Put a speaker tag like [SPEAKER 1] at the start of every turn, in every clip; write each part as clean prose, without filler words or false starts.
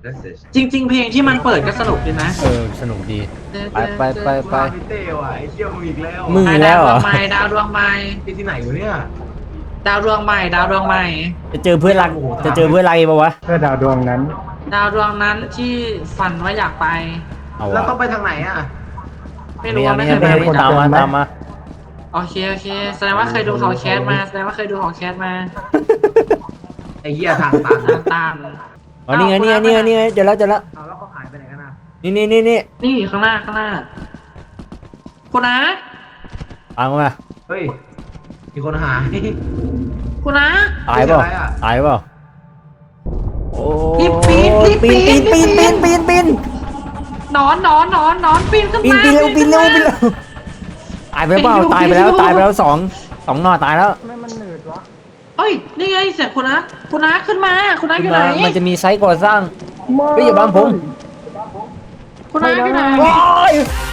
[SPEAKER 1] จริงๆเพลงที่มันเปิดก็สนุกดีนะ
[SPEAKER 2] สนุกดีไป
[SPEAKER 3] พี่เต้ว่ะไอ้เชี่ยมึงอีกแล้ว
[SPEAKER 2] มึงอีกแล้วเหรอ
[SPEAKER 1] ดาวดวงใหม่
[SPEAKER 3] ที่ไหนอยู่เนี่ย
[SPEAKER 1] ดาวดวงใหม่ดาวดวงใหม่
[SPEAKER 2] จะเจอเพื่อนรักจะเจอเพื่อนรักปะวะ
[SPEAKER 4] เพื่อดาวดวงนั้น
[SPEAKER 1] ดาวดวงนั้นที่ฝันว่าอยากไป
[SPEAKER 2] เอา
[SPEAKER 3] แล้ว
[SPEAKER 2] วะ
[SPEAKER 3] ต้องไปทางไหนอ่ะ
[SPEAKER 1] ไม่รู้ว่าไม่เคย
[SPEAKER 2] ไม่
[SPEAKER 1] ไป
[SPEAKER 2] ให้คนตามมา
[SPEAKER 1] โอเคแสดงว่าเคยดูเขาแคสมาแสดงว่าเคยดูเขาแคสมา
[SPEAKER 3] ไอ้เหี้ยทางตัน
[SPEAKER 1] ตาม
[SPEAKER 2] อ๋อนี่ไงเจอแล้ว
[SPEAKER 3] เอาแล้วเขาหายไปไหนกันอ่ะ
[SPEAKER 2] นี่
[SPEAKER 1] นี่ข้างหน้าคุณนะ
[SPEAKER 2] ตามมา
[SPEAKER 3] เฮ้ยมีคนหาย
[SPEAKER 1] คุณนะ
[SPEAKER 2] ตายเปล่า
[SPEAKER 3] ไม่ใช่อะไรอะ
[SPEAKER 2] ตายเปล่าโอ้
[SPEAKER 1] รีบปีน
[SPEAKER 2] ปีน
[SPEAKER 1] นอนปีนขึ้นมา
[SPEAKER 2] ปีนเร็วตายไปเปล่าตายไปแล้วสองหน่อตายแล้ว
[SPEAKER 4] ไม่มันหนืดวะ
[SPEAKER 1] เฮ้ยนี่ไงเสียงคุณนะขึ้นมาคุณนะอยู่ไหน
[SPEAKER 2] มันจะมีไซต์ก่อสร้างไม่อย่าบังผม
[SPEAKER 1] คุณนะอยู่ไหน
[SPEAKER 2] ว้าย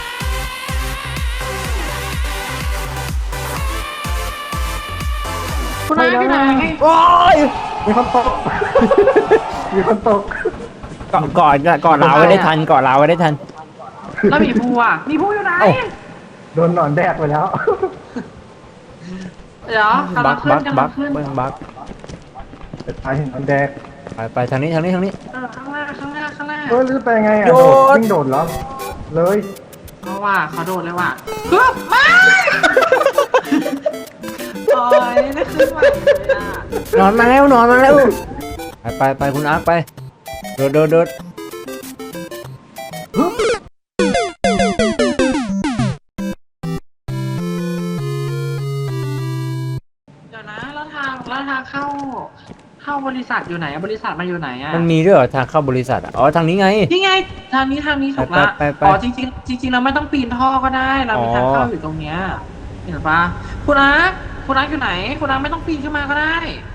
[SPEAKER 1] คุณนะอยู่ไหน
[SPEAKER 2] ว้าย
[SPEAKER 4] มีคนตก มีคนตก
[SPEAKER 2] ก่อนลาวไว้ได้ทันก่อนลาวไว้ได้ทัน
[SPEAKER 1] แล้วมีภูอ่ะมีภูอยู่ไหน
[SPEAKER 2] เอ้า
[SPEAKER 4] โดนหนอนแดกไปแล้ว
[SPEAKER 1] เดี๋ยวกำลังขึ้น
[SPEAKER 2] บัก
[SPEAKER 4] ไอ้หนอนแดก
[SPEAKER 2] ไปทางนี้
[SPEAKER 1] ข้างหน้า
[SPEAKER 4] เฮ้ยหรือไปไงอ่ะ
[SPEAKER 2] โดด
[SPEAKER 4] วิ่งโดดเหรอ เลย
[SPEAKER 1] เขาว่าเขาโดดเลยว่ะฮึบมาโอ้ยนี่ขึ้นมาเลยอ่ะ
[SPEAKER 2] นอนมาแล้วไปคุณอาร์คไปโดด
[SPEAKER 1] เดี๋ยวนะแล้วทางเข้าบริษัทอยู่ไหนอะบริษัทมันอยู่ไหนอะ
[SPEAKER 2] มันมีด้วยเหรอทางเข้าบริษัทอ๋อทางนี้ไง
[SPEAKER 1] นี่ไงทางนี้ถูกละ
[SPEAKER 2] ไป
[SPEAKER 1] อ๋อจริงเราไม่ต้องปีนท่อก็ได้เรามีทางเข้าอยู่ตรงเนี้ยเห็นปะคุณนักอยู่ไหนคุณนักไม่ต้องปีนขึ้นมาก็ได้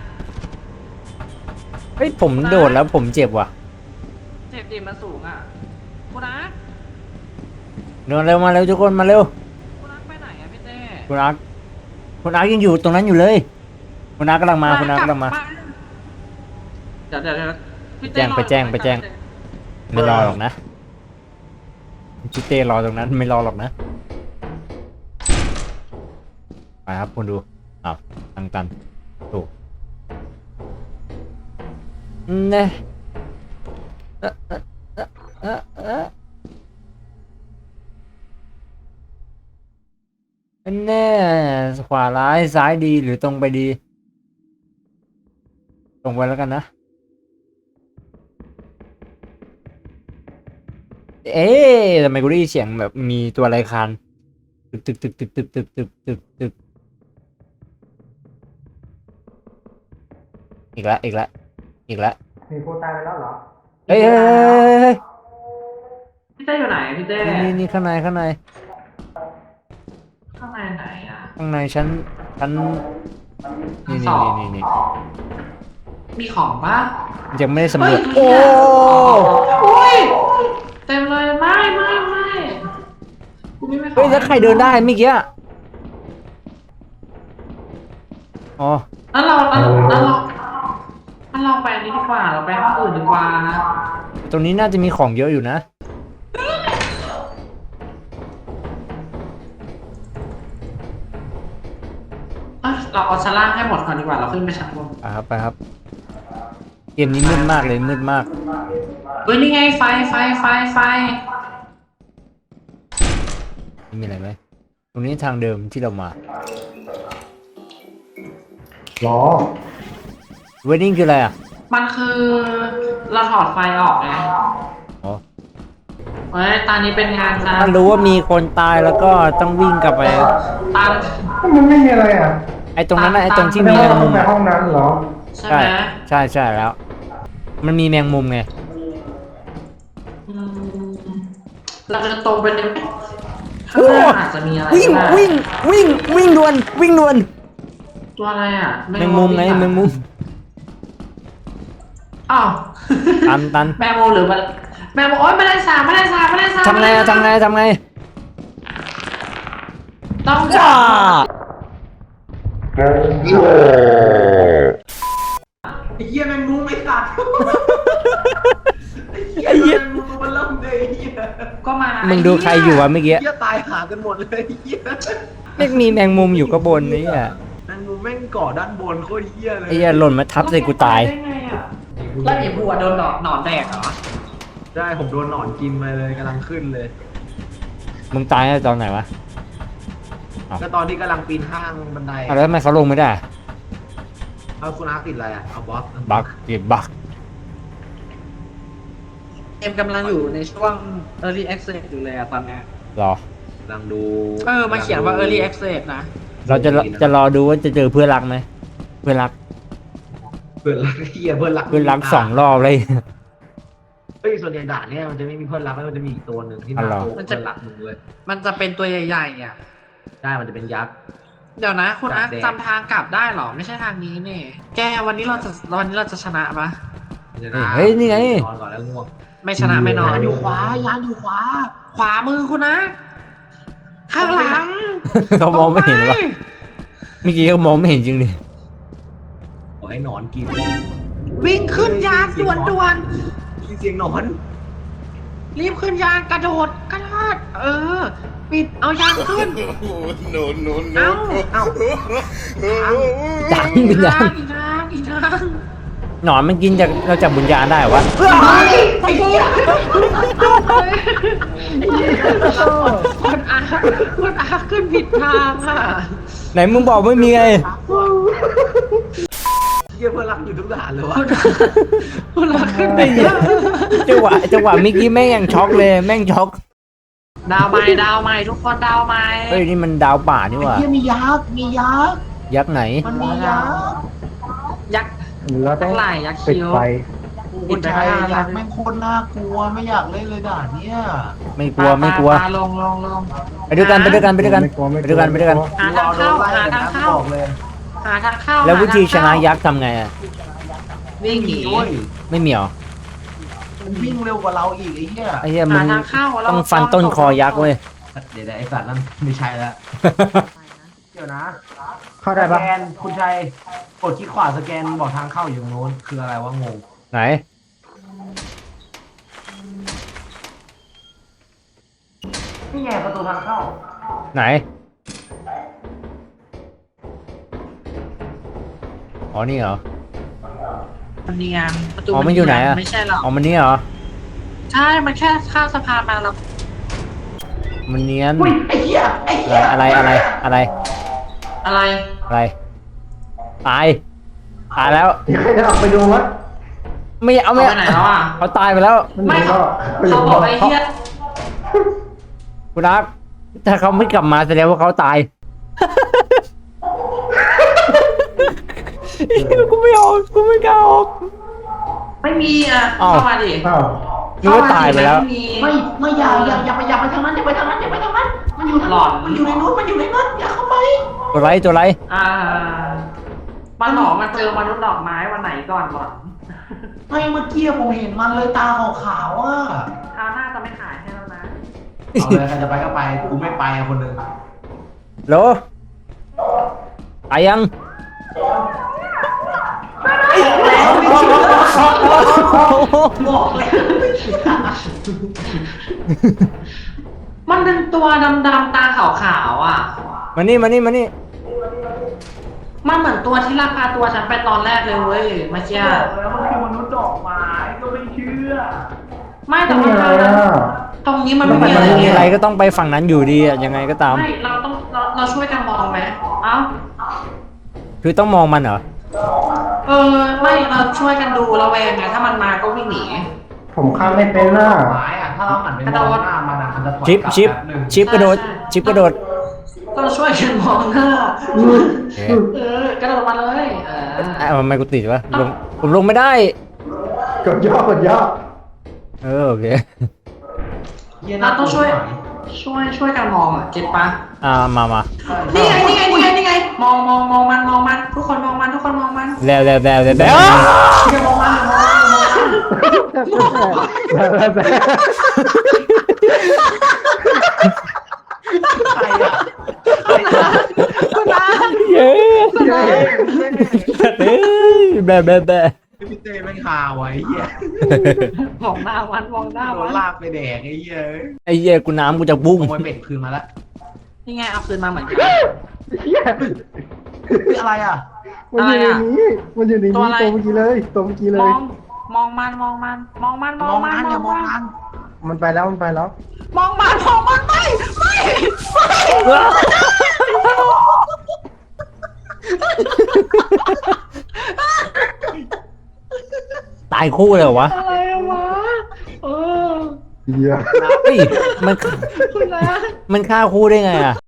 [SPEAKER 2] เฮ้ยผมโดดแล้วผมเจ็บว่ะ
[SPEAKER 1] เจ็บดิมันสูงอ่ะคุณนัก
[SPEAKER 2] เดินเร็วมาเร็วทุกคนมาเร็ว
[SPEAKER 1] คุณนักไปไหนอะพี่เต้
[SPEAKER 2] คุณอาร์คยังอยู่ตรงนั้นอยู่เลยคุณอาร์คกำลังมาเ
[SPEAKER 1] ดี๋ยวพี่
[SPEAKER 2] แจ้
[SPEAKER 1] เต้
[SPEAKER 2] งไปแจ้งไม่รอหรอกนะพี่เต้รอตรงนั้นไม่รอหรอกนะไปครับคุณดูอ้าวทางตันถูกเนี่ยแน่ขวาร้ายซ้ายดีหรือตรงไปดีตรงไปแล้วกันนะเอ๊ะทำไมกูได้ยินเสียงแบบมีตัวอะไรคานตึกอีกแล้ว
[SPEAKER 4] มีผู้ตายไปแล้วเหรอ
[SPEAKER 2] เฮ้ย
[SPEAKER 1] พี่เต้อยู่ไหนพี่เต้
[SPEAKER 2] นี่ข้างใน
[SPEAKER 1] ข้างในไหนอะ
[SPEAKER 2] ข้างในชั้นนี่
[SPEAKER 1] มีของปะ
[SPEAKER 2] ยังไม่ได้สำรวจ
[SPEAKER 1] โอ้ยเต็มเลยไม่กูไม่ของ
[SPEAKER 2] เฮ้ยแล้วใครเดินได้เมื่อกี้อ๋อ
[SPEAKER 1] แล้วเราไปอันนี้ดีกว่าเราไปห้องอื่นดีกว่า
[SPEAKER 2] ตรงนี้น่าจะมีของเยอะอยู่นะ
[SPEAKER 1] เราเอาชั้นล่างให้หมดก่อนดีกว่าเราขึ้นไปชั้นบน
[SPEAKER 2] ไปครับเกมนี้มืดมากเลยมืดมาก
[SPEAKER 1] เฮ้ยนี่ไงไฟ
[SPEAKER 2] มีอะไรไหมตรงนี้ทางเดิมที่เรามา
[SPEAKER 4] หรอ
[SPEAKER 2] เวดดิ้งคืออะไรอ่ะ
[SPEAKER 1] มันคือเราถอดไฟออกไง
[SPEAKER 2] อ๋อ
[SPEAKER 1] เฮ้ยตอนนี้เป็นงานจ้า
[SPEAKER 2] ถ้ารู้ว่ามีคนตายแล้วก็ต้องวิ่งกลับไป
[SPEAKER 1] ตาม
[SPEAKER 4] มันไม่มีอะไรอ่ะ
[SPEAKER 2] ไอ้ตรงนั้นนะไอ้ตรงที่มี
[SPEAKER 4] แม
[SPEAKER 2] แมง
[SPEAKER 4] ง
[SPEAKER 2] มุ
[SPEAKER 4] มุ
[SPEAKER 2] ม
[SPEAKER 4] มในห้องนั้นเหรอ
[SPEAKER 1] ใช่ไหม
[SPEAKER 2] ใช่แล้ว มันมีแมงมุมไง
[SPEAKER 1] อืมเราจะตรงไปเลยข้างหน้าอาจจะมีอะไร
[SPEAKER 2] วิ่ง
[SPEAKER 1] ก็ได้
[SPEAKER 2] วิ่งด่วน
[SPEAKER 1] ตัวอะไรอ่ะ
[SPEAKER 2] แมงมุมไงแมงมุม
[SPEAKER 1] อ้าว
[SPEAKER 2] ตัน
[SPEAKER 1] แมงมุมหรือมันแมงมุมโอ๊ยไม่ได้สาบ
[SPEAKER 2] ทำไง
[SPEAKER 1] ต้อง
[SPEAKER 2] จ้า
[SPEAKER 3] ไอ้เหี้ยแมงมุมไอ้สัตว์ไอ้เหี้
[SPEAKER 2] มึงดูใครอยู่วะเมื่อกี้
[SPEAKER 3] เหี้ยตายหากันหมดเลยเหี้ย
[SPEAKER 2] ไม่มีแมงมุมอยู่ก็บนนี่อ่ะ
[SPEAKER 3] แมงมุมแม่งเกาะด้านบนโคตรเหี้ยเลย
[SPEAKER 2] ไอ้เหี้ยหล่นมาทับใส่กูตาย
[SPEAKER 1] ได้ไงอะแล้วไอ้บัวโดนหนอนแดกเหรอ
[SPEAKER 3] ใช่ผมโดนหนอนกินมาเลยกำลังขึ้นเลย
[SPEAKER 2] มึงตายตั้งแต่ตอนไหนวะ
[SPEAKER 3] ก็ตอนที่กำลังปีนข้างบันได
[SPEAKER 2] อ้าวแล้วทำไมเขาลงไม่ได้
[SPEAKER 3] เอาคุณอาร์ตติดอะไรอ่ะเอาบล็อก
[SPEAKER 2] บักเก็บบัก
[SPEAKER 1] เกมกำลังอยู่ในช่วง early access อยู่เลยอะตอนเนี้ย
[SPEAKER 2] รอ
[SPEAKER 3] กำลังดู
[SPEAKER 1] มาเขียนว่า early access นะ
[SPEAKER 2] เราจะรอดูว่าจะเจอเพื่อนรักไหมเพื่อนรัก
[SPEAKER 3] เพื่อนรักเหี้ยเพื่อนรัก
[SPEAKER 2] เพื่อนรัก2 รอบเลย
[SPEAKER 3] เฮ้ยส่วนใหญ่ด่านเนี่ยมันจะไม่มีเพื่อนรักแล้วมันจะมีอีกตัวหนึ่งที่
[SPEAKER 2] อ๋อเหรอ
[SPEAKER 3] เพื่อนรักมึงเลย
[SPEAKER 1] มันจะเป็นตัวใหญ่ๆอ่ะ
[SPEAKER 3] ใช่มันจะเป็นยักษ์
[SPEAKER 1] เดี๋ยวนะคุณอาร์ต
[SPEAKER 3] แดง
[SPEAKER 1] จำทางกลับได้เหรอ ไม่ใช่ทางนี้นี่ แกวันนี้เราจะชนะปะ
[SPEAKER 2] เฮ้ยนี่ไง
[SPEAKER 3] นอนก่อนแล้วง่วง
[SPEAKER 1] ไม่ชนะไม่นอน
[SPEAKER 3] ยานอยู่ขวายานอยู่ขวา
[SPEAKER 1] ขวามือคุณนะ ข้างหลัง
[SPEAKER 2] เขามองไม่เห็นวะเมื่อกี้เขามองไม่เห็นจริงดิ
[SPEAKER 3] ขอให้หนอนกิน
[SPEAKER 1] วิ่งขึ้นยานด่วน
[SPEAKER 3] มีเสียงหนอน
[SPEAKER 1] ๆรีบขึ้นยานกระโดดปิดเอายานขึ้น
[SPEAKER 5] no, no,
[SPEAKER 1] เอ้า
[SPEAKER 5] no.
[SPEAKER 3] เอ้า
[SPEAKER 2] ดังเป็นดัง
[SPEAKER 1] อีกทาง
[SPEAKER 2] หนอนมันกินจากเราจากบุญญาณได้เหรอวะ
[SPEAKER 1] ไอ้เหี้ยคุณอาขึ้นผิดทางอ่ะ
[SPEAKER 2] ไหนมึงบอกไม่มีไง
[SPEAKER 3] เยี่ยเพื่อนรักอยู่ทุกด่านเลยวะ
[SPEAKER 1] คุณอาขึ้น
[SPEAKER 2] ไอ้
[SPEAKER 1] ผิด
[SPEAKER 2] เหี้ยจังหวะเมื่อกี้แม่งยังช็อกเลยแม่งช็อก
[SPEAKER 1] ดาวใหม่ทุกคนดาวใหม่
[SPEAKER 2] เฮ้ยนี่มันดาวป่านี่หว่า
[SPEAKER 3] เยี่ยมียักษ์มียักษ์
[SPEAKER 2] ยักษ์ไหน
[SPEAKER 3] มันมียักษ์
[SPEAKER 1] ยักษ์
[SPEAKER 4] หรือเราต้อง
[SPEAKER 1] ทั้งหลายยักษ์
[SPEAKER 4] ปิด
[SPEAKER 1] คิ้ว
[SPEAKER 4] ไฟ
[SPEAKER 3] คุณชายยักษ์แม่งโคตรน่ากลัวไม่อยากเล่นเลยด่านเนี้ย
[SPEAKER 2] ไม่กลัวไม่กลัว
[SPEAKER 1] ปลาลง
[SPEAKER 2] ไปด้วยกันไปด้วยกันไปด้วยกัน
[SPEAKER 4] ไม่กลัวไม่
[SPEAKER 2] ไป
[SPEAKER 4] กลัว
[SPEAKER 2] ด้วยกันไปด้วยกัน
[SPEAKER 1] หาทางเข้าหาทางเข้า
[SPEAKER 3] บอกเลย
[SPEAKER 1] หาทางเข้า
[SPEAKER 2] แล้ววิธีชนะยักษ์ทำไงอ่ะ
[SPEAKER 1] วิ่งหนี
[SPEAKER 3] ด้วย
[SPEAKER 2] ไม่มีเหรอ
[SPEAKER 3] มันวิ่งเร็วกว่าเราอีกไอ้เหี้ย
[SPEAKER 2] ไอ้เหี้ยมึ
[SPEAKER 1] หาง ทางเข้าเรา
[SPEAKER 2] ต้องฟันต้นคอยักษ์เว้ย
[SPEAKER 3] เดี๋ยวไอ้สัตว์นั่นไม่ใช่แล้วเดี๋ยวนะ
[SPEAKER 4] เข้าได้ปะ
[SPEAKER 3] สแกนคุณชัยกดคลิกขวาสแกนบอกทางเข้าอยู่ตรงโน้นคืออะไรวะงง
[SPEAKER 2] ไหน
[SPEAKER 3] นี่ไงประตูทางเข้า
[SPEAKER 2] ไหนอ๋อนี่เหรอ
[SPEAKER 1] มันเนียนประตู
[SPEAKER 2] อ๋อมันอยู่ไหนอะ
[SPEAKER 1] ไม่ใช่หรอก
[SPEAKER 2] อ๋อมันนี่เหรอ
[SPEAKER 1] ใช่มันแค่ข้ามสะพานมาแล้ว
[SPEAKER 2] มันเนียน
[SPEAKER 3] อุ้ยไอ้เหี้ยไอ้เหี้ย
[SPEAKER 2] อะไรอะไรอะไร
[SPEAKER 1] อะไร
[SPEAKER 2] อะไรตายตายแล้ว
[SPEAKER 4] เดี๋ยวใครจะออกไปดูวะ
[SPEAKER 2] ไม่เอา
[SPEAKER 1] เอา
[SPEAKER 2] ไม่
[SPEAKER 1] ไปไหนแล้วอ่ะ
[SPEAKER 2] เขาตายไปแล้ว
[SPEAKER 1] ไม่
[SPEAKER 4] ก็
[SPEAKER 1] เขาบอกไอ้เหี้ย
[SPEAKER 2] คุณรักถ้าเขาไม่กลับมาแสดงว่าเขาตาย กูไม่ออกกูไม่กล้าออก
[SPEAKER 1] ไม่มีอ่ะ
[SPEAKER 2] อ้าว
[SPEAKER 1] เข้ามาดิ
[SPEAKER 4] อ้าว
[SPEAKER 2] นึกว่าตายไปแล้ว
[SPEAKER 1] ม่มี
[SPEAKER 3] ไม่อย่าไปทางนั้นอย่าไปทางนั้นอย่าไปทางนั้นมันอยู่
[SPEAKER 1] หลอน
[SPEAKER 3] มันอยู่ในนู้นมันอยู่ในนั้นอย่าเข้าไป
[SPEAKER 2] ตัวไรตัวไร
[SPEAKER 1] มันหนอมาเจอมนุษย์ดอกไม้วันไหนก่อนหลอน
[SPEAKER 3] ไม่เมื่อกี้ผมเห็นมันเลยตาขาวๆอ่ะ
[SPEAKER 1] คราวหน้าจะไม่ขายให้แล้วนะ
[SPEAKER 3] เอาเลยใครจะไปก็ไปกูไม่ไปอะคนหนึ่ง
[SPEAKER 2] โหลตายยัง
[SPEAKER 1] บอกเลยมันเป็นตัวดำๆตาขาวๆอ่ะ
[SPEAKER 2] มานี่มานี่มานี่
[SPEAKER 1] มันเหมือนตัวที่ลักพาตัวฉันไปตอนแรกเลยเว้ยเมื่อกี้
[SPEAKER 3] แล้วมันคือมนุษย์ดอกไม้ก็ไม่เชื่อ
[SPEAKER 1] ไม่แต่
[SPEAKER 4] ไม่
[SPEAKER 1] ว่า
[SPEAKER 4] มีอะไรอ่ะ
[SPEAKER 1] ตรงนี้มัน
[SPEAKER 2] มั
[SPEAKER 1] ไม่
[SPEAKER 2] น
[SPEAKER 1] มีอะไร
[SPEAKER 2] มี
[SPEAKER 1] เลย
[SPEAKER 2] อะไรก็ต้องไปฝั่งนั้นอยู่ดีอะยังไงก็ตาม
[SPEAKER 1] ไม่เราช่วยกันมองไหมเอ้า
[SPEAKER 2] คือต้องมองมันเหรอ
[SPEAKER 1] ไม่เราช่วยกันดูระแวงไงถ้ามันมาก็วิ่งหนี
[SPEAKER 4] ผมข้ามไม่เป็นน่ะ
[SPEAKER 3] ไม้อะถ้าเราหันไปมองหน้ามันอะมันจะถอย
[SPEAKER 2] ชิป
[SPEAKER 3] กลับ
[SPEAKER 2] ชิป
[SPEAKER 3] แป๊บหนึ่ง
[SPEAKER 2] ชิปกระโดด
[SPEAKER 1] ใช่
[SPEAKER 2] ชิปกระโดด
[SPEAKER 1] ต้องช่วยกันมองหน้า
[SPEAKER 2] โอเค
[SPEAKER 1] กระโดดมาเลย
[SPEAKER 2] ทำไมกูติดวะลงผมลงไม่ได้
[SPEAKER 4] กดย่อกดย่อ
[SPEAKER 2] โอเค
[SPEAKER 3] เหี้ย
[SPEAKER 1] เรา
[SPEAKER 3] น่ากลั
[SPEAKER 1] ต้องช่วยกันมองอ่ะเก็ตปะ
[SPEAKER 2] มา
[SPEAKER 1] นี่ไงมองมันทุกคนมองมัน
[SPEAKER 2] แล้ว
[SPEAKER 1] อย่ามองมัน
[SPEAKER 3] ใครอะ
[SPEAKER 1] คุณอา
[SPEAKER 2] เย้เฮ้ยแบบ
[SPEAKER 3] พี่เต้ไม่ข่าวไอ้เหี้ย
[SPEAKER 1] มองหน้ามันมองหน้า
[SPEAKER 3] โด
[SPEAKER 1] มัน น
[SPEAKER 3] ลากไปแดกไอ้เหี้ย
[SPEAKER 2] ไอ้เหี้ยกูน้ำกูจะบุ้ง
[SPEAKER 3] ขโมยเป็ดคืนมาแล้ว
[SPEAKER 1] นี่ไงเอาคืนมาเหมือนกัน
[SPEAKER 4] เฮีย
[SPEAKER 3] คืออะไรอ่ะ
[SPEAKER 4] มันอยู่ในนี้มันอยู่ในนี้
[SPEAKER 1] ตัวอะไร
[SPEAKER 4] ตัวเมื่อกี้เลยตัวเมื่อกี้เล
[SPEAKER 1] มอย งมองมันมองมันมองมัน
[SPEAKER 3] มองมันอย่ามองมัน
[SPEAKER 4] มันไปแล้วมันไปแล้ว
[SPEAKER 1] มองมันมองมันไม่
[SPEAKER 2] ตายคู่เลยเหรอวะ
[SPEAKER 1] อะไรวะเออ
[SPEAKER 4] เฮีย
[SPEAKER 2] เฮ้ยมัน
[SPEAKER 1] คุณนะ
[SPEAKER 2] มันฆ่าคู่ได้ไงอ่ะ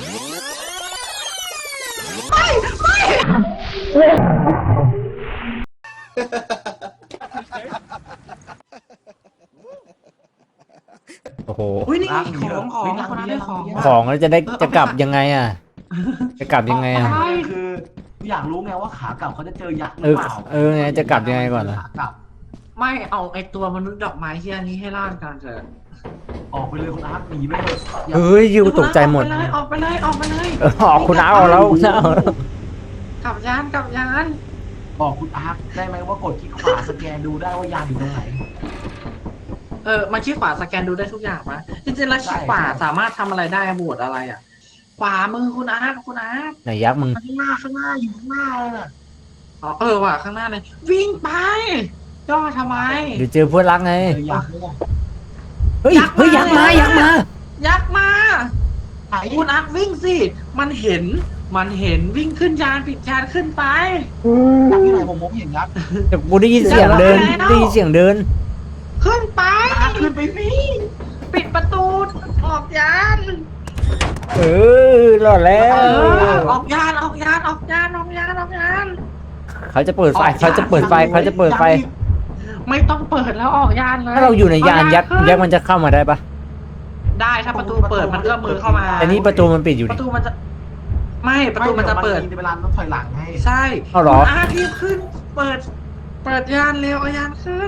[SPEAKER 2] โอ้โห
[SPEAKER 1] อุ้ยนี่ไงของคนนั้นได้ของ
[SPEAKER 2] ของแล้วจะกลับยังไงอ่ะ จะกลับยังไงอ่ะ
[SPEAKER 3] ใช่คืออยากรู้ไงว่าขากลับเขาจะเจอยักษ์ห
[SPEAKER 2] เอ
[SPEAKER 3] รือ
[SPEAKER 2] อ
[SPEAKER 3] เปล่า
[SPEAKER 2] เออไงจะกลับยังไงก่อนล่ะ
[SPEAKER 3] ขากลับ
[SPEAKER 1] ไม่เอาไอตัวมนุษย์ดอกไม้เฮียนี้ให้ล่ากันเถอะ
[SPEAKER 3] ออกไปเลยคุณอาร์ตหนีไปเถอะอย่า
[SPEAKER 2] เฮ้ยยูตกใจหมด
[SPEAKER 1] ออกไปเลยออกไปเลย
[SPEAKER 2] เออออกคุณน้าเอาแล้วคุณน้าเอาแล้ว
[SPEAKER 1] กลับยานกลับยาน
[SPEAKER 3] บอกคุณอาร์ตได้ไหมว่ากดคลิกขวาสแกนดูได้ว่ายานอยู่ตรงไหน
[SPEAKER 1] มาชี้ขวาสแกนดูได้ทุกอย่างมะจริงๆแล้วชี้ขวาสามารถทำอะไรได้บวชอะไรอ่ะ ขวามือคุณอาร์ตคุณอาร์ต
[SPEAKER 2] ไหนยักษ์มึง
[SPEAKER 3] ข้างหน้าอยู่ข้างหน้าเลยน่ะ
[SPEAKER 1] อ๋อว่ะข้างหน้าเลยวิ่งไปย่อทำไม
[SPEAKER 2] เดี๋ยวเจอเพื่อนรักไง
[SPEAKER 3] เจอยักษ์เนี่ย
[SPEAKER 2] เฮ้ยเฮ้ยยักษ์มายักษ์มา
[SPEAKER 1] ยักษ์มา
[SPEAKER 3] ไหน
[SPEAKER 1] คุณอาร์ตวิ่งสิมันเห็นวิ่งขึ้นยานปิดยานขึ้นไป
[SPEAKER 3] ยักษ์ที่ไหนผมเห็นยักษ์
[SPEAKER 2] แต่กูได้ยินเสียงเดินได้ยินเสียงเดิน
[SPEAKER 1] ขึ้นไป
[SPEAKER 3] อาร์ตขึ้นไปสิ
[SPEAKER 1] ปิดประตูออกยาน
[SPEAKER 2] เออรอดแล้ว
[SPEAKER 1] ออกยานออกยานออกยานออกยานออกยาน
[SPEAKER 2] เขาจะเปิดไฟเขาจะเปิดไฟเขาจะเปิดไฟ
[SPEAKER 1] ไม่ต้องเปิดแล้วออกยานเลย
[SPEAKER 2] ถ้าเราอยู่ในยานยักษ์
[SPEAKER 1] ขึ้น
[SPEAKER 2] ยักษ์มันจะเข้ามาได้ปะ
[SPEAKER 1] ได้ถ้าประตูเปิดมันเอื้อมมือเข้ามา
[SPEAKER 2] แต่นี่ประตูมันปิดอยู่
[SPEAKER 1] ป
[SPEAKER 2] ดิ
[SPEAKER 1] ระตูมันจะไม่ประตูมันจะเปิด
[SPEAKER 3] เวลาต้องถอยหลังให้
[SPEAKER 1] ใช่
[SPEAKER 2] เอาเหรอ
[SPEAKER 1] คุณอารีบขึ้น เปิดยานเร็วเอายานขึ้น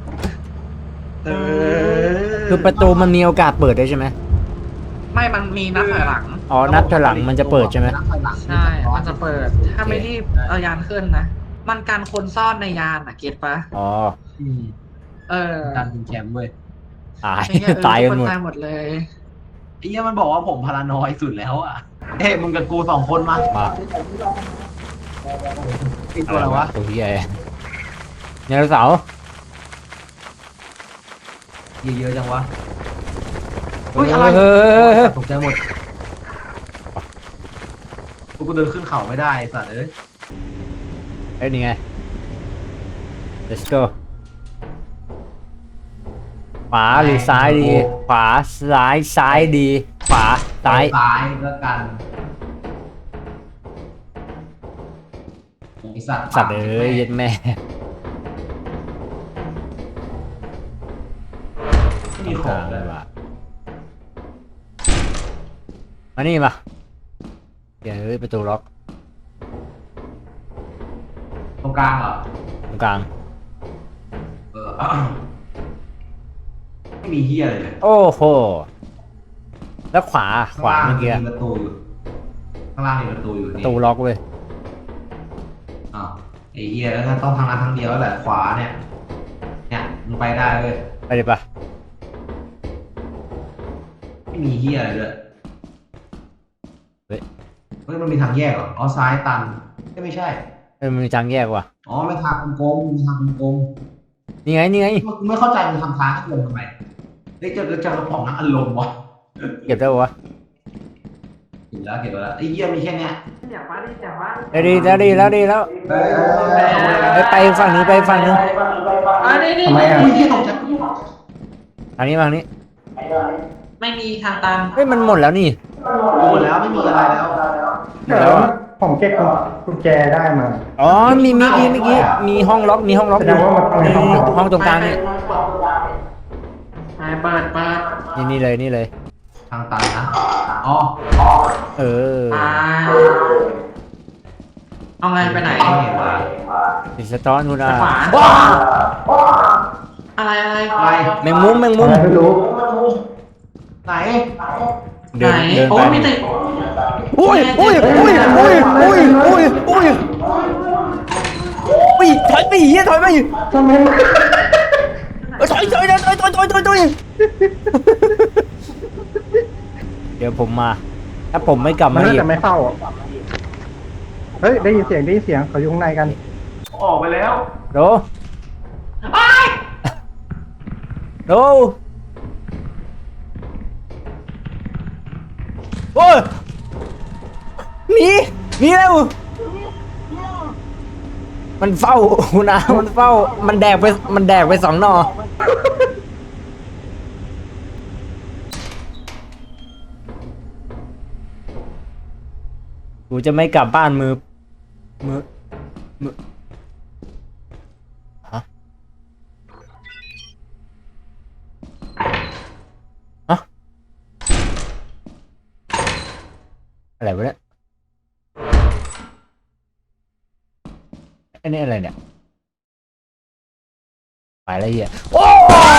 [SPEAKER 2] คือประตูมันมีโอกาสเปิดได้ใช่ไหม
[SPEAKER 1] ไม่มันมีนับถอยหลัง
[SPEAKER 2] อ๋อนับถอยหลังมันจะเปิดใช่ไหม
[SPEAKER 3] นับถอยหลัง
[SPEAKER 1] ใช่ มันจะเปิด ถ้าไม่รีบเอายานขึ้นนะ มันการคนซ่อนในยานอะเก็ตปะ
[SPEAKER 2] อ๋อ
[SPEAKER 3] อืม
[SPEAKER 1] เออ
[SPEAKER 3] การเป็นแชมป์เว้ย
[SPEAKER 2] ตาย
[SPEAKER 1] ไอ้เหี้
[SPEAKER 2] ตายกันหมด
[SPEAKER 1] ตายหมดเลย
[SPEAKER 3] ไอ้เหี้ยมันบอกว่าผมพารานอยสุดแล้วอ่ะเฮ้ยมึงกับกูสองคนมา
[SPEAKER 2] มา
[SPEAKER 3] ไอ้ตัวอะไรวะ
[SPEAKER 2] ตัวใหญ่ไดโนเสาร์
[SPEAKER 3] เยอะๆจังวะ
[SPEAKER 2] เฮ้
[SPEAKER 3] เฮ้ย
[SPEAKER 2] ย
[SPEAKER 3] อะไร
[SPEAKER 2] เฮ้ย
[SPEAKER 3] ตกใจหมดกูเดินขึ้นเขาไม่ได้ไอ้สัตว์เอ้ย
[SPEAKER 2] เอ้ยนี่ไง let's go ขวาหรือซ้ายดี ขวาซ้ายดี ขวาซ้าย
[SPEAKER 3] ซ้ายก็กันไอ้สัตว์
[SPEAKER 2] สัตว์เอ้ยเย็ดแม่
[SPEAKER 3] ไม่มีของเลย
[SPEAKER 2] ว่ะมานี่มาเดี๋ยวเฮ้ยประตูล็อก
[SPEAKER 3] ตรงกลางเหรอ
[SPEAKER 2] ตรงกลาง
[SPEAKER 3] เออ ไม่มีเฮียอะไรเลย
[SPEAKER 2] โอ้โห แล้วขวาเมื่อกี้
[SPEAKER 3] มีประตูอยู่ข้างล่างมีประตูอยู่
[SPEAKER 2] ประ
[SPEAKER 3] นี่
[SPEAKER 2] ตูล็อกเว้ย
[SPEAKER 3] อ้าวไอ้เฮียแล้วก็ต้องทางนั้นทางเดียวแล้วแหละขวาเนี่ยเนี่ยมึงไปได้เว้ย
[SPEAKER 2] ไปเลยปะ
[SPEAKER 3] ไม่มีเฮียอะไรเลย
[SPEAKER 2] เฮ้ย
[SPEAKER 3] เฮ้ยมันมีทางแยกเหรออ๋อซ้ายตันไม่ใช่
[SPEAKER 2] มันมีทางแยกว่ะ
[SPEAKER 3] อ๋อไม่ทางกลมๆมีทางกลม
[SPEAKER 2] นี่ไงนี่ไง
[SPEAKER 3] ๆกูไม่เข้าใจมันทำทางให้กลมทำไมเฮ้ยเจอกระป๋องน้ำอารมณ์วะ
[SPEAKER 2] เก็บได้ปะวะ
[SPEAKER 3] เก็บแล้วไอ้เฮียมีแค่เนี้ย
[SPEAKER 1] อยากมาดิอยากมา
[SPEAKER 2] ได้ดีแล้วเฮ้ยไปฝั่งนี้ไปฝั่งนึง
[SPEAKER 1] นี่
[SPEAKER 4] ทำไมอ่ะ
[SPEAKER 3] อุ้ยเฮียตกใจ
[SPEAKER 2] ทางนี้มาทางนี้
[SPEAKER 1] ไม่มีทางตัน
[SPEAKER 2] เฮ้ยมันหมดแล้วนี่
[SPEAKER 3] หมดแล้วไม่มีอะไรแล้ว
[SPEAKER 4] เดี๋ยวผมเก็บกุญแจได้มา
[SPEAKER 2] อ๋อมีเมื่อกี้มีห้องล็อกอยู่
[SPEAKER 4] แสดงว่ามันต้องในห้องล็อก
[SPEAKER 2] ห้องตรงกลางนี่
[SPEAKER 1] เปิด
[SPEAKER 2] นี่เลย
[SPEAKER 3] ทางตันนะอ๋อ
[SPEAKER 2] เออ
[SPEAKER 1] ไปเอาไงไปไหน
[SPEAKER 2] ดิสตอนคุณอา
[SPEAKER 1] ขวา
[SPEAKER 2] ว้า
[SPEAKER 1] อะไร
[SPEAKER 3] อะไร
[SPEAKER 2] แมงมุม
[SPEAKER 4] อะไรไม่รู้
[SPEAKER 3] ไหน
[SPEAKER 2] เดิน
[SPEAKER 1] โอ้
[SPEAKER 2] ไป
[SPEAKER 1] มีแต่
[SPEAKER 2] อุ้ยถอยไปเหี้ยถอยไป
[SPEAKER 4] ทำไม
[SPEAKER 2] ถอยเดี๋ยวผมมา ถ้าผมไม่กลับ
[SPEAKER 4] มัน
[SPEAKER 2] มา
[SPEAKER 4] น่า
[SPEAKER 2] อีก
[SPEAKER 4] จะไม่เข้าอ่ะเฮ้ยได้ยินเสียงเขาอยู่ข้างในกัน
[SPEAKER 3] ออกไปแล้ว
[SPEAKER 2] โดโดโอ้ยหนีเร็วมันเฝ้าคุณอามันเฝ้ามันแดกไป2 หน่อกูจะไม่กลับบ้านมือฮะอะไรวะเนี่ยอันนี้อะไรเนี่ยไปแล้วเหี้ยโอ้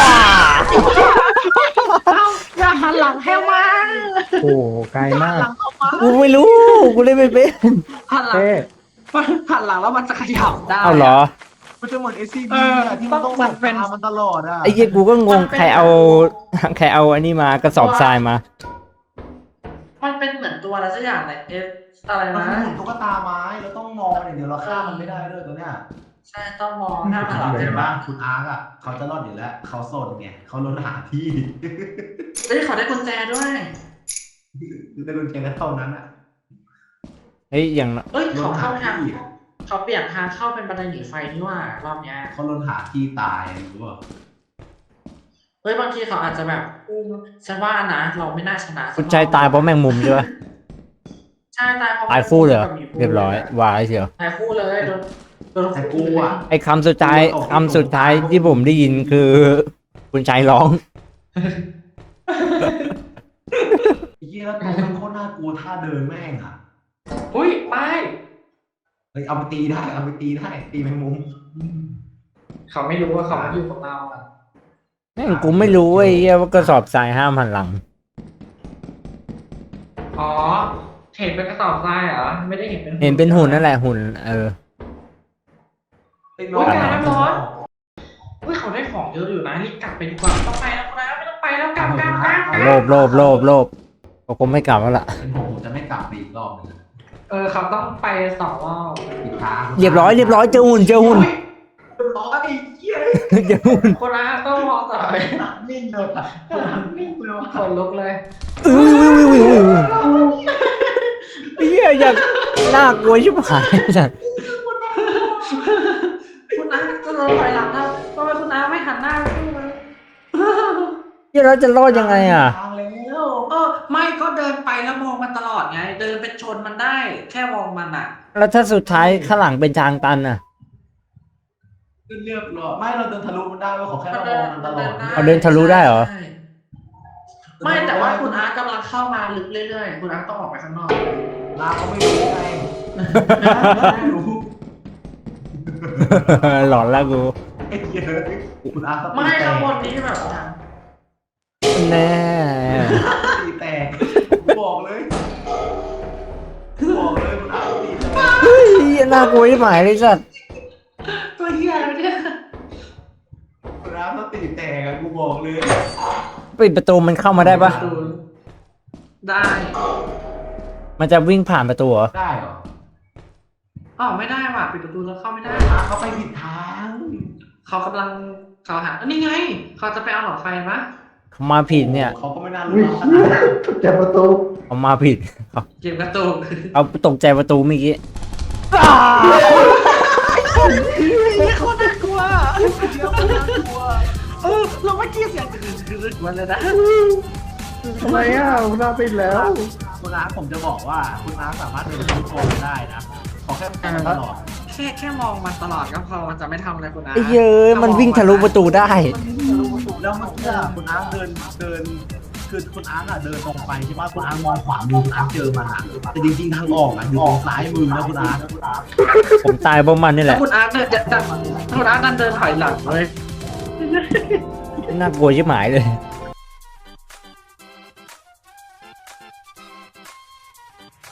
[SPEAKER 1] อย่าหันหลังให้มา
[SPEAKER 4] โอ้ไกลมาก
[SPEAKER 1] หลังเข้ามา
[SPEAKER 2] กูไม่รู้กูเล่นไม่เป็น
[SPEAKER 1] หันหลัง
[SPEAKER 4] เต้
[SPEAKER 1] หันหลังแล้วมันจะขยับได้
[SPEAKER 2] เอาเหรอ
[SPEAKER 3] มันจะเหมือน SCP
[SPEAKER 1] เออ
[SPEAKER 3] อะที่มันต้อง
[SPEAKER 1] มันเป็น
[SPEAKER 3] ตามมันตลอดอ่ะ
[SPEAKER 2] ไอ้เหี้ยกูก็งงใครเอาอันนี้มากระสอบทรายมา
[SPEAKER 1] มันเป็นเหมือนตัวอะไรสักอย่างเลยอะไร
[SPEAKER 3] มัน
[SPEAKER 1] นะ
[SPEAKER 3] คือหุ่นตุ๊กตาไม้แล้วต้องมองมันอย่างเดียวเราฆ่ามันไม่ได้ด้วยตัวเนี้ย
[SPEAKER 1] ใช่ต้องมองหน้าหันหลัง
[SPEAKER 3] เห็
[SPEAKER 1] ใช่
[SPEAKER 3] น
[SPEAKER 1] ไหม
[SPEAKER 3] ปะคุณอาร์คอ่ะเขาจะรอดอยู่แล้วเขาโสดไงเขาลดหาที่
[SPEAKER 1] เฮ้ยเขาได้กุญแจด้วย
[SPEAKER 3] ได้กุญแจแค่เท่านั้นอ่ะ
[SPEAKER 2] เฮ้ยอย่าง
[SPEAKER 1] เอ้ย
[SPEAKER 3] ล
[SPEAKER 1] เขา
[SPEAKER 3] ดหา
[SPEAKER 1] เข้าทาง
[SPEAKER 3] ที่
[SPEAKER 1] เขาเปลี่ยนทางเข้าเป็นบันไดหนีไฟนี่ว่ารอบเนี้ย
[SPEAKER 3] เขาลดหาที่ตายรู้ป่ะ
[SPEAKER 1] เฮ้ยบางทีเขาอาจจะแบบฉันว่านะเราไม่น่าชนะ
[SPEAKER 2] คุณชายตายเพราะแมงมุมใช่ปะ
[SPEAKER 1] ใช่ตายเพราะ
[SPEAKER 2] ตายคู่เลยเหรอ
[SPEAKER 1] กับหมีภู
[SPEAKER 2] เรียบร้อยวายเชียว
[SPEAKER 1] ตายคู่เลยโดน
[SPEAKER 3] แต่กูอ่ะ
[SPEAKER 2] ไอ้คำสุดท้ายที่ผมได้ยินคือ คุณชายร้อง
[SPEAKER 3] ไอ้เหี้ยแล้วตัวมันโคตรน่ากลัวท่าเดินแม่งอ่ะ
[SPEAKER 1] อุ้ยไป
[SPEAKER 3] เฮ้ยเอาไปตีได้ตีแมงมุม
[SPEAKER 1] เขาไม่รู้ว่าเขาอยู่กับเราอ่ะ
[SPEAKER 2] แม่งกูไม่รู้ไอ้เหี้ยว่ากระสอบทรายห้ามหันหลัง
[SPEAKER 1] อ๋อเห็นเป็นกระสอบทรายเหรอไม่ได้เห็นเป็น
[SPEAKER 2] เห็นเป็นหุ่นนั่นแหละหุ่น
[SPEAKER 3] ไ
[SPEAKER 2] เออ
[SPEAKER 3] อ้
[SPEAKER 1] อุ้ยกลายเป็นร้อนอุ้ยเขาได้ของเยอะอยู่นะรีบกลับไปดีกว่าต้องไปแล้วนะไม่ต้องไปแล้วกลับ
[SPEAKER 2] โลภก็คงไม่กลับแล้วล่ะ
[SPEAKER 3] เป็นผมจะไม่กลับไปอีกรอบหนึง
[SPEAKER 1] เขาต้องไป2 รอบ
[SPEAKER 3] อีกทาง
[SPEAKER 2] เรียบร้อยเจอหุ่น
[SPEAKER 3] เรียบร้อยไอ้เหี้ย
[SPEAKER 2] เจอหุ่น
[SPEAKER 1] คนละต้องมองต่อไป
[SPEAKER 3] นิ่งเลยอ่ะนิ่งเลยว่ะ
[SPEAKER 1] คนลุกเลย
[SPEAKER 2] อุ้ยไอ้เหี้ยอยากน่ากลัวชิบหายจัด
[SPEAKER 1] คุณอาจะเดินถอยหลังแล้วทำไมคุณอาไม่หันหน้าไปดูเลย
[SPEAKER 2] เหี้ยเราจะรอดยังไงอ่ะ
[SPEAKER 3] ทางแล้ว
[SPEAKER 1] ไม่ก็เดินไปแล้วมองมันตลอดไง เดินเป็นชนมันได้ แค่มองมันอ่ะ
[SPEAKER 2] แล้วถ้าสุดท้ายข้างหลังเป็นทางตันอ่ะ
[SPEAKER 3] เรียบร้อยไม่เราเดินทะลุมันได้เว้ยขอแค่เรามองมันตลอด
[SPEAKER 2] เอาเดินทะลุได้เหรอ
[SPEAKER 1] ใช่ไม่แต่ว่าคุณอาร์ตกำลังเข้ามาลึกเรื่อยๆ คุณอาร์ตต้องออกไปข้างนอก
[SPEAKER 3] ลาเขาไม่รู้ไงไม่รู้
[SPEAKER 2] หลอนแล้วกู
[SPEAKER 3] ไอ้เหี้ยคุณอาร์ต
[SPEAKER 1] ไม่ข้างบนนี้แบบนั้น
[SPEAKER 2] แน่
[SPEAKER 3] ตีแตกบอกเลยคุณอาร์ตตีแตก
[SPEAKER 2] เฮ้ยน่ากลัวชิบหายเลยสัตว์
[SPEAKER 1] ตัวเหี้ยอะไรเนี่ย
[SPEAKER 3] คุณอาร์ตตีแตกอะกูบอกเลย
[SPEAKER 2] ปิดประตูมันเข้ามาได้ปะ
[SPEAKER 1] ได้
[SPEAKER 2] มันจะวิ่งผ่านประตูเหรอ
[SPEAKER 3] ได้เหรอ
[SPEAKER 1] อ๋อไม่ได้ว่ะปิดประตูแล้วเข้าไม่ได้
[SPEAKER 3] อาร์ตเขาไปผิดทาง
[SPEAKER 1] เขากำลังเขาหานี่ไง เขาจะไปเอาหลอดไฟมะ
[SPEAKER 2] เขามาผิดเนี่ย
[SPEAKER 3] เขาก็ไม่น่า
[SPEAKER 4] วิ่
[SPEAKER 3] รู้
[SPEAKER 4] ง
[SPEAKER 3] ขนาดนั้น
[SPEAKER 4] เจ็บประตู
[SPEAKER 2] เขามาผิด
[SPEAKER 1] เก็บกระตุก
[SPEAKER 2] เอาตกใจประตูเมื่อกี้
[SPEAKER 1] นี่โคตรน่ากลัวเราไม่กี้เสียงคือมันเลยนะ
[SPEAKER 4] ทำไมอ่ะคุณอาปิดแล้ว
[SPEAKER 3] คุณอาร์ตผมจะบอกว่าคุณอาร์ตสามารถเดินทุกคนได้นะขอแค่มองตลอด
[SPEAKER 1] แค่มองมันตลอดก็พอมันจะไม่ทำอะไรคุณอา
[SPEAKER 2] ไอ้เย้ยมันวิ่งทะลุประตูได้
[SPEAKER 3] แล้วเมื่อกี้อะคุณอาร์ตเดินคือคุณอาร์ตอะเดินตรงไปใช่ไหมคุณอาร์ตมองขวามือคุณอาร์ตเจอมันอะแต่จริงๆทางออกอะอยู่ตรงซ้ายมือนะคุณอาร์ต
[SPEAKER 2] ผมตายเพราะมันนี่แห
[SPEAKER 1] ถ้า
[SPEAKER 2] ละ
[SPEAKER 1] คุณอาร์ตเดินจะคุณอาร์ตเดินถอยหลังเลย
[SPEAKER 2] น่ากลัวชิบหายเลย